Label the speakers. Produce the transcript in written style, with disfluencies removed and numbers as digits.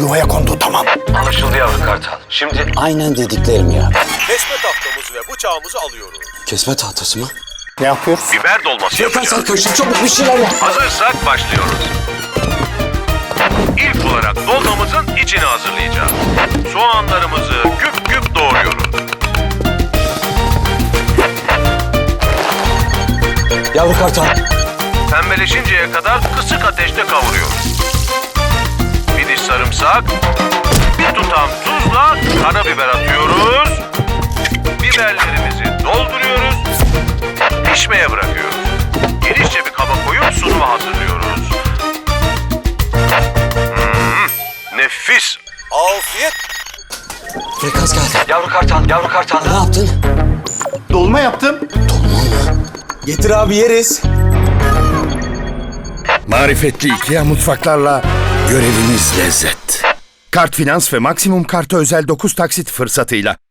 Speaker 1: yuvaya kondu, tamam.
Speaker 2: Anlaşıldı yavru kartal. Şimdi
Speaker 3: Aynen dediklerim ya.
Speaker 4: Kesme tahtamızı ve bıçağımızı alıyoruz.
Speaker 3: Kesme tahtası mı?
Speaker 1: Ne yapıyoruz?
Speaker 2: biber dolması yapacağız.
Speaker 3: Arkadaşlar çabuk bir şeyler yap.
Speaker 2: Hazırsak başlıyoruz. İlk olarak dolmamızın içini hazırlayacağız. Soğanlarımızı küp küp doğruyoruz.
Speaker 3: Yavru kartal.
Speaker 2: Pembeleşinceye kadar kısık ateşte kavuruyoruz. Bir diş sarımsak, bir tutam tuzla karabiber atıyoruz. Biberlerimizi dolduruyoruz. Pişmeye bırakıyoruz. Genişçe bir kaba koyup sunuma hazırlıyoruz. Nefis.
Speaker 4: Afiyet.
Speaker 3: Frekans geldi.
Speaker 2: Yavru kartal.
Speaker 3: Ne yaptın?
Speaker 1: Dolma yaptım.
Speaker 3: Getir abi yeriz.
Speaker 5: Marifetli IKEA mutfaklarla görevimiz lezzet. Kart Finans ve Maksimum Kart'a özel 9 taksit fırsatıyla